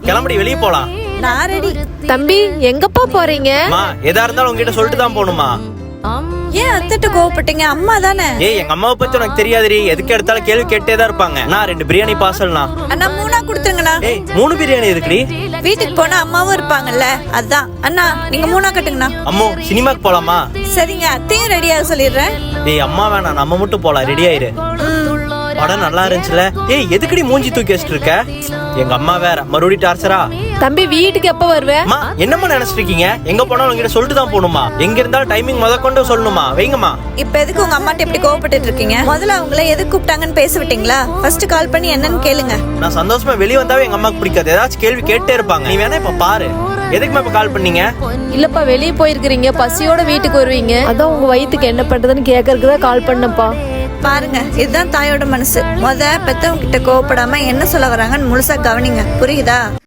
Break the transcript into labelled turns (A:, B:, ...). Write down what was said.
A: கிளம்படி வெளியே போலாம்.
B: நான் ரெடி.
C: தம்பி எங்கப்பா போறீங்க?
A: அம்மா எதா இருந்தாலும் உங்ககிட்ட சொல்லிட்டு தான் போகணுமா?
B: ஏன் அத்திட்ட கோவப்பட்டீங்க? அம்மா தானே.
A: ஏய் எங்க அம்மாவை பத்தி உனக்கு தெரியாதுரி, எதுக்கு எடுத்தாலும் கேள்வி கேட்டே தான் இருப்பாங்க. நான் 2 பிரியாணி பார்சல்னா.
B: அண்ணா 3 கொடுத்துருங்கண்ணா.
A: ஏய் 3 பிரியாணி எதுக்குடி?
B: வீட்டுக்கு போனா அம்மாவும் இருப்பாங்கல்ல, அதான். அண்ணா நீங்க 3 கட்டுங்கண்ணா.
A: அம்மோ சினிமாக்கு போலாமா?
B: சரிங்க, அத்தையும் ரெடியாக சொல்லிடுறேன்.
A: ஏய் அம்மா வேணாம், நம்ம மட்டும் போலாம். ரெடி ஆயிரு. படம் நல்லா இருந்துச்சுல. ஏய் எதுக்குடி மூஞ்சி தூக்கி வச்சிட்டு இருக்க? எங்க அம்மா வேற மறுபடியும் டார்ச்சரா?
C: தம்பி வீட்டுக்கு எப்ப வருவ?
A: அம்மா என்னம்மா நினைச்சிட்டு இருக்கீங்க? எங்க போனாலும் உங்ககிட்ட சொல்லிட்டு தான் போகணுமா? எங்க இருந்தாலும் டைமிங் கொண்டு சொல்லணுமா? வைங்கம்மா.
B: இப்ப எதுக்கு உங்க அம்மாட்ட எப்படி கோவப்பட்டு இருக்கீங்க? முதல்ல அவங்கள எதுக்கு கூப்பிட்டாங்கன்னு பேச விட்டீங்களா? ஃபர்ஸ்ட் கால் பண்ணி என்னன்னு கேளுங்க.
A: நான் சந்தோஷமா வெளியே வந்தாவே எங்க அம்மாக்கு பிடிக்காது, ஏதாச்சும் கேள்வி கேட்டே இருப்பாங்க. நீ வேணா இப்ப பாரு. எதுக்குமா இப்ப கால் பண்ணீங்க?
C: இல்லப்பா வெளியே போயிருக்கிறீங்க, பசியோட வீட்டுக்கு வருவீங்க, அதான் உங்க வயித்துக்கு என்ன பண்றதுன்னு கேட்கறதுக்கு தான் கால் பண்ணப்பா.
B: பாருங்க, இதுதான் தாயோட மனசு. பெத்தவங்க கிட்ட கோவப்படாம என்ன சொல்ல வராங்கன்னு முழுசா கவனிங்க, புரியுதா?